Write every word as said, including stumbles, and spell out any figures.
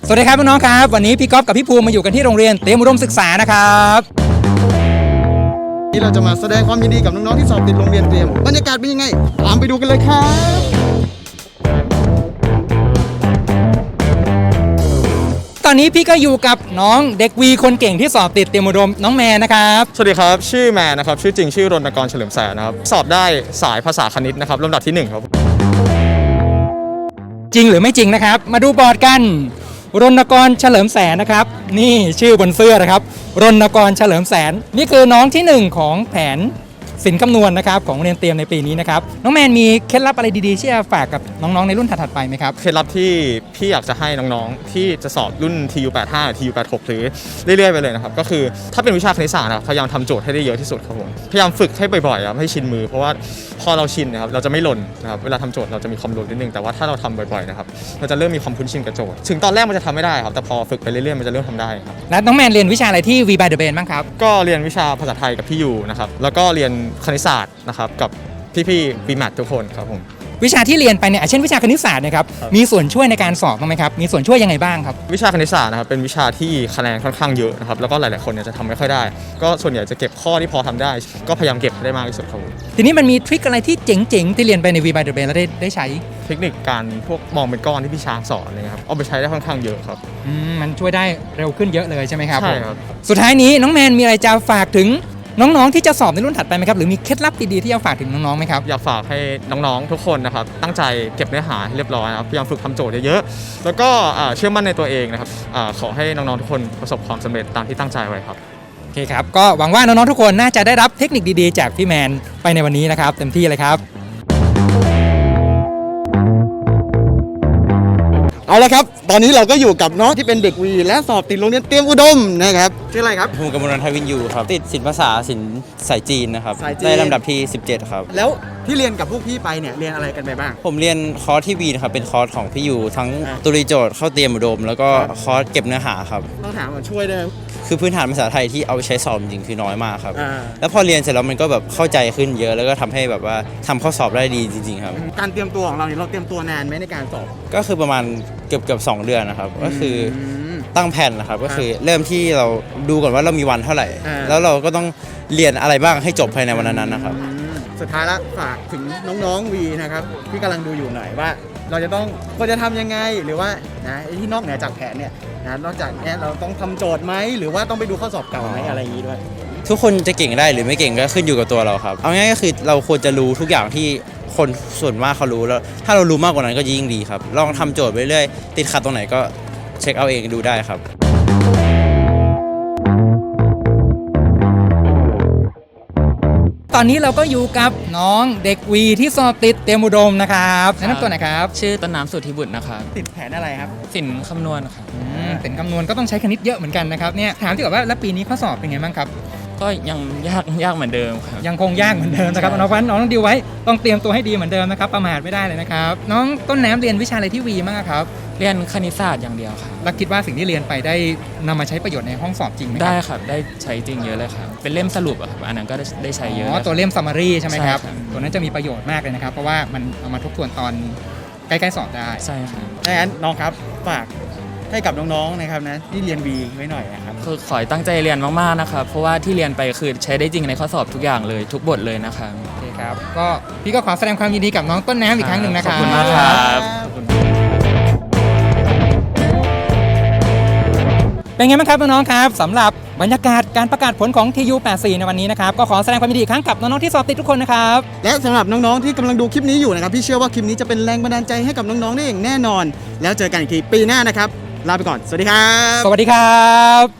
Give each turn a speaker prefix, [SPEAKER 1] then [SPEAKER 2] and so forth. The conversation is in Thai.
[SPEAKER 1] สวัสดีครับน้องๆครับวันนี้พี่ก๊อฟกับพี่ภูมิมาอยู่กันที่โรงเรียนเตรียมอุดมศึกษานะครับ
[SPEAKER 2] นี่เราจะมาแสดงความยินดีกับน้องๆที่สอบติดโรงเรียนเตรียมบรรยากาศเป็นยังไงตามไปดูกันเลยครับ
[SPEAKER 1] ตอนนี้พี่ก็อยู่กับน้องเด็กวีคนเก่งที่สอบติดเตรียมอุดมน้องแมนนะครับ
[SPEAKER 3] สวัสดีครับชื่อแมนนะครับชื่อจริงชื่อรณกรเฉลิมแสนนะครับสอบได้สายภาษาคณิตนะครับลำดับที่หนึ่งครับ
[SPEAKER 1] จริงหรือไม่จริงนะครับมาดูบอร์ดกันรณกรเฉลิมแสนนะครับนี่ชื่อบนเสื้อนะครับรณกรเฉลิมแสนนี่คือน้องที่หนึ่งของแผนศิลป์คำนวณนะครับของโรงเรียนเตรียมในปีนี้นะครับน้องแมนมีเคล็ดลับอะไรดีๆที่จะฝากกับน้องๆในรุ่นถัดๆไปไหมครับ
[SPEAKER 3] เคล็ดลับที่พี่อยากจะให้น้องๆที่จะสอบรุ่น ที ยู แปดสิบห้า ที ยู แปดสิบหก หรือเรื่อยๆไปเลยนะครับก็คือถ้าเป็นวิชาคณิตศาสตร์นะครับพยายามทำโจทย์ให้ได้เยอะที่สุดครับผมพยายามฝึกให้บ่อยๆครับให้ชินมือเพราะว่าพอเราชินนะครับเราจะไม่หล่นนะครับเวลาทำโจทย์เราจะมีความหล่นนิดนึงแต่ว่าถ้าเราทำบ่อยๆนะครับเราจะเริ่มมีความคุ้นชินกับโจทย์ถึงตอนแรกมันจะทำไม่ได้ครับแต่พอฝึกไปเรื่อยๆมันจะเริ่มทำได้ครับ
[SPEAKER 1] และน้องแมนเรียนวิชาอะไรที่ V by the Brain บ้างครับ
[SPEAKER 3] ก็เรียนวิชาภาษาไทยกับพี่ยูนะครับแล้วก็เรียนคณิตศาสตร์นะครับกับพี่ๆ บี แมท ทุกคนครับผม
[SPEAKER 1] วิชาที่เรียนไปเนี่ยเช่นวิชาคณิตศาสตร์นะครับมีส่วนช่วยในการสอบบ้างไหมครับมีส่วนช่วยยังไงบ้างครับ
[SPEAKER 3] วิชาคณิตศาสตร์นะครับเป็นวิชาที่คะแนนค่อนข้างเยอะนะครับแล้วก็หลายๆคนเนี่ยจะทำไม่ค่อยได้ก็ส่วนใหญ่จะเก็บข้อที่พอทำได้ก็พยายามเก็บให้ได้มากที่สุดครับ
[SPEAKER 1] ทีนี้มันมีทริคอะไรที่เจ๋งๆที่เรียนไปใน V by the Brain แล้วได้ได้ใช้
[SPEAKER 3] เทคนิคการพวกมองเป็นก้อนที่พี่ช้างสอนเลยครับเอาไปใช้ได้ค่อนข้างเยอะครับ
[SPEAKER 1] อืมมันช่วยได้เร็วขึ้นเยอะเลยใช่ไหมครับ
[SPEAKER 3] ใช่ครับ
[SPEAKER 1] สุดท้ายนี้น้องแมนมีอะไรจะฝากถึงน้องๆที่จะสอบในรุ่นถัดไปไหมครับหรือมีเคล็ดลับดีๆที่จะฝากถึงน้องๆไหมครับ
[SPEAKER 3] อยากฝากให้น้องๆทุกคนนะครับตั้งใจเก็บเนื้อหาให้เรียบร้อยนะครับพยายามฝึกทำโจทย์เยอะๆแล้วก็เชื่อมั่นในตัวเองนะครับขอให้น้องๆทุกคนประสบความสำเร็จตามที่ตั้งใจไว้ครับ
[SPEAKER 1] โอเคครับก็หวังว่าน้องๆทุกคนน่าจะได้รับเทคนิคดีๆจากพี่แมนไปในวันนี้นะครับเต็มที่เลยครับ
[SPEAKER 2] เอาละครับตอนนี้เราก็อยู่กับน้องที่เป็นเด็กวีและสอบติดโรงเรียนเตรียมอุดมนะครับชื่ออะไรครับ
[SPEAKER 4] ภูมิกมลทวินยูครับติดศิลปภาษาศิลป์สายจีนนะครับได้ลำดับที่สิบเจ็ดครับ
[SPEAKER 2] แล้วที่เรียนกับพวกพี่ไปเนี่ยเรียนอะไรกันไปบ้าง
[SPEAKER 4] ผมเรียนคอร์สที่วีนะครับเป็นคอร์สของพี่ยูทั้งตุลีโจทย์เข้าเตรียมอุดมแล้วก็คอร์สเก็บเนื้อหาครับ
[SPEAKER 2] ต้องถามมาช่วยด้วย
[SPEAKER 4] คือพื้นฐานภาษาไทยที่เอาไปใช้สอบจริงคือน้อยมากครับแล้วพอเรียนเสร็จแล้วมันก็แบบเข้าใจขึ้นเยอะแล้วก็ทำให้แบบว่าทำข้อสอบได้ดีจริงๆครับ
[SPEAKER 2] การเตรียมตัวของเราเนี่ยเราเตรียมตัวนานไหมในการสอบ
[SPEAKER 4] ก็คือประมาณเกือบเกือบสองเดือนนะครับก็คือตั้งแผนนะครับก็คือเริ่มที่เราดูก่อนว่าเรามีวันเท่าไหร่แล้วเราก็ต้องเรียนอะไรบ้างให้จบภายในวันนั้นนะครับ
[SPEAKER 2] สุดท้ายละฝากถึงน้องๆวีนะครับที่กำลังดูอยู่หน่อยว่าเราจะต้องควรจะทำยังไงหรือว่านะที่นอกเหนือจากแผนเนี่ยนะนอกจากนี้เราต้องทำโจทย์ไหมหรือว่าต้องไปดูข้อสอบเก่าไหมอะไรอย่างนี้ด้วย
[SPEAKER 4] ทุกคนจะเก่งได้หรือไม่เก่งก็ขึ้นอยู่กับตัวเราครับเอาง่ายๆก็คือเราควรจะรู้ทุกอย่างที่คนส่วนมากเขารู้แล้วถ้าเรารู้มากกว่านั้นก็ยิ่งดีครับลองทำโจทย์ไปเรื่อยติดขัดตรงไหนก็เช็คเอาเองดูได้ครับ
[SPEAKER 1] ตอนนี้เราก็อยู่กับน้องเด็กวีที่สอบติดเตรียมอุดมนะครับแนะนำตัวหน่อยครับ
[SPEAKER 5] ชื่อต้นน้ำสุทธิบุตรนะครับ
[SPEAKER 2] ติดแผนอะไรครับ
[SPEAKER 5] ศิลป์คำนวณครับ
[SPEAKER 1] ศิลป์คำนวณก็ต้องใช้คณิตเยอะเหมือนกันนะครับเนี่ยถามที่แบบว่าแล้วปีนี้ข้อสอบเป็นไงบ้างครับ
[SPEAKER 5] ก็ยังยากยากเหมือนเดิมครับ
[SPEAKER 1] ยังคงยากเหมือนเดิมนะครับน้องฟันน้องต้องดีไว้ต้องเตรียมตัวให้ดีเหมือนเดิมนะครับประมาทไม่ได้เลยนะครับน้องต้นน้ำเรียนวิชาอะไรที่วีบ้างครับ
[SPEAKER 5] เรียนคณิตศาสตร์อย่างเดียวครับ
[SPEAKER 1] แล้วคิดว่าสิ่งที่เรียนไปได้นำมาใช้ประโยชน์ในห้องสอบจริงไหม
[SPEAKER 5] ได้ครับได้ใช้จริงเยอะเลยครับเป็นเล่มสรุปอะครับอันนั้นก็ได้ใช้เยอะ
[SPEAKER 1] อ๋อตัวเล่ม summary ใช่ไหมครับตัวนั้นจะมีประโยชน์มากเลยนะครับเพราะว่ามันเอามาทบทวนตอนใกล้ๆสอบได้
[SPEAKER 5] ใช่ครับ
[SPEAKER 2] ดังนั้นน้องครับฝากให้กับน้องๆนะครับนะที่เรียนวีไว้หน่อยนะครับ
[SPEAKER 5] คือขอตั้งใจเรียนมากๆนะครับเพราะว่าที่เรียนไปคือใช้ได้จริงในข้อสอบทุกอย่างเลยทุกบทเลยนะครับ
[SPEAKER 1] โอเคครับก็พี่ก็ขอแสดงความยินดีกับน้องต้นน้ำอีกครั้งหนึ่งนะครับ
[SPEAKER 5] ขอบคุณมากครับ
[SPEAKER 1] เป็นไงบ้างครับน้องๆครับสำหรับบรรยากาศการประกาศผลของ ที ยู แปดสิบสี่ ในวันนี้นะครับก็ขอแสดงความยินดีอีกครั้งกับน้องๆที่สอบติดทุกคนนะครับ
[SPEAKER 2] และสำหรับน้องๆที่กำลังดูคลิปนี้อยู่นะครับพี่เชื่อว่าคลิปนี้จะเป็นแรงบันดาลใจให้กับน้องๆได้อย่างแน่นอนแล้วเจอกันอีกทีปีหน้านะครับลาไปก่อนสวัสดีครับ
[SPEAKER 1] สวัสดีครับ